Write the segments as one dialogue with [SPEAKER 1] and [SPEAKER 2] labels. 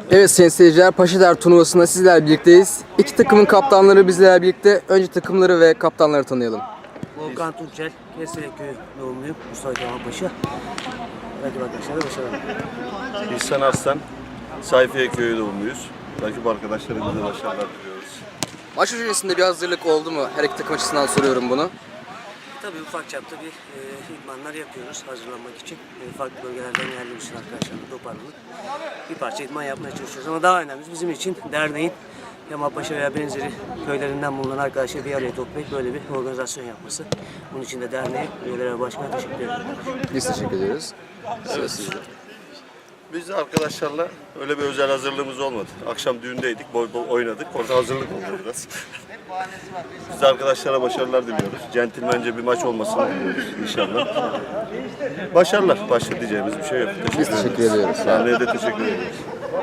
[SPEAKER 1] Evet sayın seyirciler, Paşadar turnuvasında sizlerle birlikteyiz. İki takımın kaptanları bizlerle birlikte. Önce takımları ve kaptanları tanıyalım.
[SPEAKER 2] Volkan Tunçel, Kestelekköy doğumluyum. Mustafa Kemal Paşa. Rakip arkadaşlara başarılar.
[SPEAKER 3] İhsan Arslan, Sayfiye Köyü doğumluyuz. Rakip arkadaşlarımıza başarılar diliyoruz.
[SPEAKER 1] Maç öncesinde bir hazırlık oldu mu? Her iki takım açısından soruyorum bunu.
[SPEAKER 2] Tabii ufak çapta bir idmanlar yapıyoruz hazırlanmak için. Farklı bölgelerden geldiğimiz için arkadaşlarla toparlanıp bir parça idman yapmaya çalışıyoruz. Ama daha önemlisi bizim için derneğin Kemalpaşa veya benzeri köylerinden bulunan arkadaşları bir araya toplayıp böyle bir organizasyon yapması. Bunun için de derneğe, üyelere ve başkana teşekkür ederim.
[SPEAKER 1] Biz teşekkür ediyoruz. Söz sizde.
[SPEAKER 3] Biz de arkadaşlarla öyle bir özel hazırlığımız olmadı. Akşam düğündeydik, bol bol oynadık. Orada hazırlık oldu biraz. Biz de arkadaşlara başarılar diliyoruz. Centilmence bir maç olmasını diliyoruz inşallah. Başarılar. Başka diyeceğimiz bir şey yok.
[SPEAKER 1] Biz teşekkür ediyoruz.
[SPEAKER 3] Sahneye de teşekkür ediyoruz.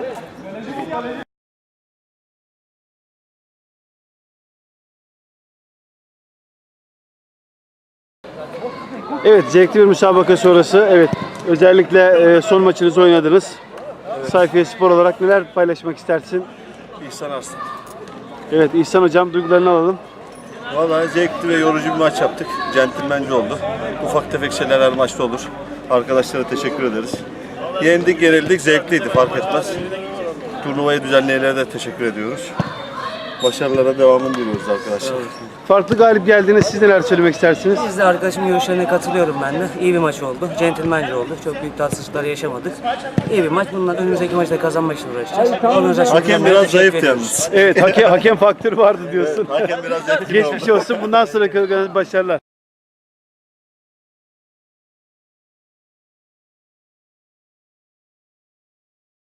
[SPEAKER 4] Evet, zevkli bir müsabaka sonrası. Evet, özellikle son maçınızı oynadınız. Sayfiye Spor olarak neler paylaşmak istersin?
[SPEAKER 3] İhsan Arslan.
[SPEAKER 4] Evet, İhsan Hocam duygularını alalım.
[SPEAKER 3] Vallahi zevkli ve yorucu bir maç yaptık. Centilmence oldu. Ufak tefek şeyler her maçta olur. Arkadaşlara teşekkür ederiz. Yendik, yenildik, zevkliydi, fark etmez. Turnuvayı düzenleyenlere de teşekkür ediyoruz. Başarılara devamını diliyoruz arkadaşlar.
[SPEAKER 4] Farklı galip geldiğiniz siz neler söylemek istersiniz?
[SPEAKER 2] Biz de arkadaşımın görüşlerine katılıyorum ben de. İyi bir maç oldu. Centilmence oldu. Çok büyük tatsızlıklar yaşamadık. İyi bir maç. Bundan önümüzdeki maçta kazanmak için uğraşacağız. Organizasyon
[SPEAKER 3] Hakem
[SPEAKER 2] düzenlemeye
[SPEAKER 3] biraz
[SPEAKER 2] teşekkür
[SPEAKER 3] zayıftı
[SPEAKER 2] ediyoruz.
[SPEAKER 3] yalnız.
[SPEAKER 4] Evet, hakem faktörü vardı diyorsun.
[SPEAKER 3] Hakem biraz etkili
[SPEAKER 4] Geçmiş
[SPEAKER 3] oldu.
[SPEAKER 4] olsun. Bundan sonraki başarılar.